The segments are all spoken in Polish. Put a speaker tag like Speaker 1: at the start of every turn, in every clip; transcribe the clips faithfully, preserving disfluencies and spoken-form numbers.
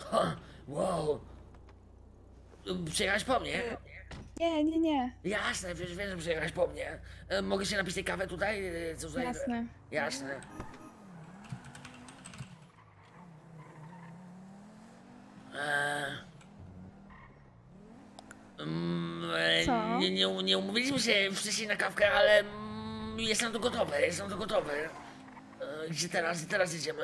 Speaker 1: Ha, wow. Przyjechałeś po mnie?
Speaker 2: Nie, nie, nie.
Speaker 1: Jasne, wiesz, wiem, że przyjechałeś po mnie. E, mogę się napić tej kawy tutaj? E, Co tutaj?
Speaker 2: Jasne.
Speaker 1: Jasne. Eee, mm, e,
Speaker 2: Co?
Speaker 1: nie, nie, nie umówiliśmy się wcześniej na kawkę, ale mm, jestem tu gotowy, jestem tu gotowy. E, gdzie teraz, gdzie teraz jedziemy?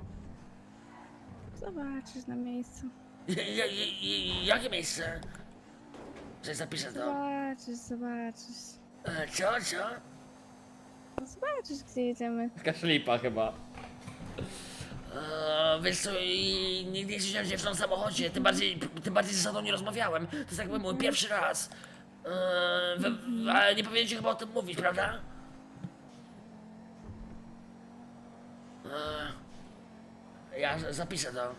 Speaker 2: Zobaczysz na miejscu.
Speaker 1: J, j, j, jakie miejsce? Coś zapiszę to.
Speaker 2: Zobaczysz, zobaczysz.
Speaker 1: E, co, co?
Speaker 2: No zobaczysz, gdzie jedziemy.
Speaker 3: Taka szlipa chyba.
Speaker 1: Eee, wiesz co, i nigdy nie siedziałem z dziewczyną w samochodzie, tym bardziej, tym bardziej ze sobą nie rozmawiałem. To jest jakby mój pierwszy raz. Eee, we, ale nie powinien ci chyba o tym mówić, prawda? Eee, ja z- zapiszę to.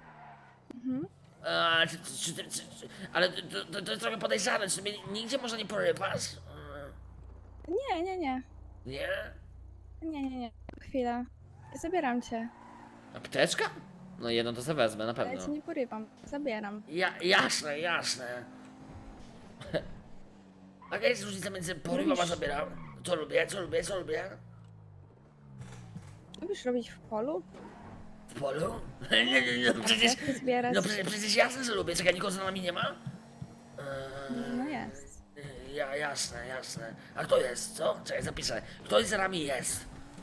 Speaker 1: Eee, czy, czy, czy, czy, czy, ale to, to, to jest trochę podejrzane, czy mnie nigdzie może nie porywasz? Eee,
Speaker 2: Nie, nie, nie.
Speaker 1: nie?
Speaker 2: Nie, nie, nie. Chwila. Zabieram cię.
Speaker 3: Apteczka? No jedną to sobie wezmę, na
Speaker 2: Ale
Speaker 3: pewno.
Speaker 2: cię nie porywam. Zabieram.
Speaker 1: Ja, jasne, jasne. A jaka jest różnica między porywam a
Speaker 2: Lubisz-
Speaker 1: zabieram? Co lubię, co lubię, co lubię?
Speaker 2: Lubisz robić w polu?
Speaker 1: W polu? Nie, nie, nie, no przecież...
Speaker 2: Kwiatki zbierać?
Speaker 1: No przecież, przecież jasne, że lubię. Czekaj, nikogo za nami nie ma?
Speaker 2: No jest.
Speaker 1: Eee, ja, jasne, jasne. A kto jest, co? Czekaj, zapiszę. Ktoś za nami jest.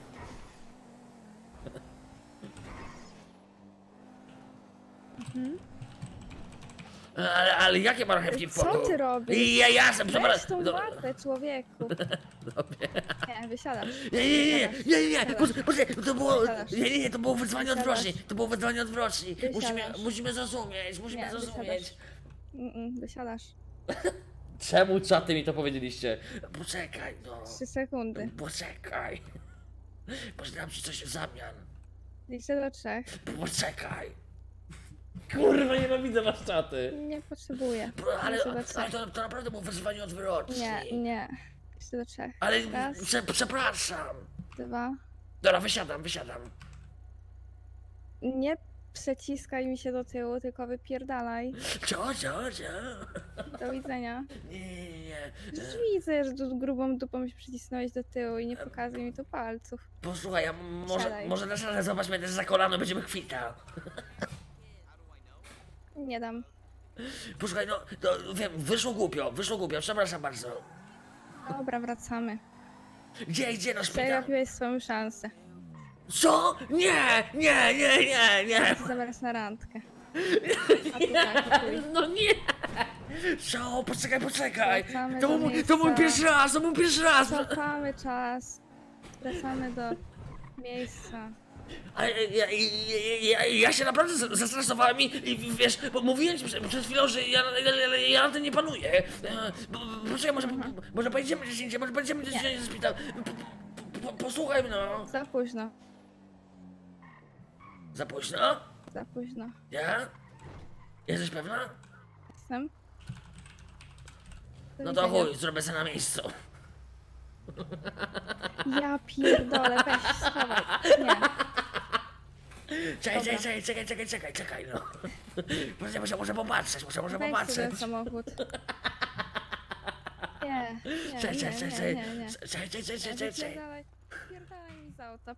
Speaker 1: Ale, ale jakie marchewki w
Speaker 2: Co
Speaker 1: polu?
Speaker 2: ty robisz?
Speaker 1: Ja, jasne,
Speaker 2: Weź
Speaker 1: przepraszam.
Speaker 2: tą
Speaker 1: No,
Speaker 2: wartę, człowieku. Nie, wysiadasz.
Speaker 1: Nie, nie, nie, nie, nie, nie, poczekaj, poczekaj, to było,
Speaker 2: Wysiadasz.
Speaker 1: nie, nie, nie, to było wyzwanie
Speaker 2: Wysiadasz.
Speaker 1: odwrotnie, to było wyzwanie odwrotnie, musimy,
Speaker 2: Wysiadasz.
Speaker 1: musimy zrozumieć, musimy
Speaker 2: Nie,
Speaker 1: zrozumieć.
Speaker 2: wysiadasz. Mm-mm, wysiadasz.
Speaker 3: Czemu czaty mi to powiedzieliście?
Speaker 1: Poczekaj, no,
Speaker 2: Trzy sekundy.
Speaker 1: poczekaj, pożyczam ci coś w zamian,
Speaker 2: Liczę do trzech.
Speaker 1: poczekaj,
Speaker 3: Kurwa, nienawidzę was czaty.
Speaker 2: Nie potrzebuję.
Speaker 1: Bo- ale,
Speaker 2: Liczę do
Speaker 1: ale
Speaker 2: trzech.
Speaker 1: to, to naprawdę było wyzwanie odwrotnie.
Speaker 2: Nie, nie. Liczę do trzech.
Speaker 1: Ale,
Speaker 2: Raz,
Speaker 1: prze, przepraszam.
Speaker 2: dwa.
Speaker 1: Dobra, wysiadam, wysiadam.
Speaker 2: Nie przeciskaj mi się do tyłu, tylko wypierdalaj.
Speaker 1: Co, co, co?
Speaker 2: Do widzenia.
Speaker 1: Nie, nie, nie,
Speaker 2: Już widzę, że tu grubą dupą się przycisnąłeś do tyłu i nie pokazuj mi tu palców.
Speaker 1: posłuchaj, ja może,
Speaker 2: Siadaj.
Speaker 1: może na szale zobacz mnie też za kolano, będziemy kwita.
Speaker 2: Nie dam.
Speaker 1: Posłuchaj, no, to wiem, wyszło głupio, wyszło głupio, przepraszam bardzo.
Speaker 2: Dobra, wracamy.
Speaker 1: Gdzie, gdzie na szpital?
Speaker 2: Przegapiłeś swoją szansę.
Speaker 1: Co? Nie, nie, nie, nie, nie.
Speaker 2: Chcę zabrać na randkę. A tu tak, chuj.
Speaker 1: No nie. Co? Poczekaj, poczekaj.
Speaker 2: Wracamy
Speaker 1: To
Speaker 2: do
Speaker 1: był, mój- to był mój
Speaker 2: miejsca.
Speaker 1: pierwszy raz, to był mój pierwszy raz.
Speaker 2: Cofamy czas. Wracamy do miejsca.
Speaker 1: A ja, ja, ja, ja, ja się naprawdę z- zestresowałem i, i wiesz, bo mówiłem ci przed, przed chwilą, że ja, ja, ja, ja na tym nie panuję. E, bo- bo- Poczekaj, może, może pojedziemy gdzieś indziej, może pojedziemy gdzieś indziej do szpital. Po- po- po- Posłuchaj mnie, no.
Speaker 2: Za późno.
Speaker 1: Za późno?
Speaker 2: Za późno.
Speaker 1: Ja? Jesteś pewna?
Speaker 2: Jestem. Do
Speaker 1: No to
Speaker 2: widzenia.
Speaker 1: chuj, zrobię sobie na miejscu.
Speaker 2: Ja pierdolę, weź, schowaj. Nie.
Speaker 1: Czekaj,
Speaker 2: Dobra.
Speaker 1: czekaj, czekaj, czekaj, czekaj, czekaj, czekaj, no. Muszę, muszę, muszę popatrzeć, muszę, muszę
Speaker 2: Weź sobie
Speaker 1: popatrzeć.
Speaker 2: ten samochód. Nie, nie,
Speaker 1: Czekaj,
Speaker 2: nie,
Speaker 1: czekaj,
Speaker 2: nie,
Speaker 1: czekaj,
Speaker 2: nie, nie.
Speaker 1: czekaj, czekaj, czekaj, czekaj, czekaj.
Speaker 2: Wypierdalaj, wypierdalaj mi z auta.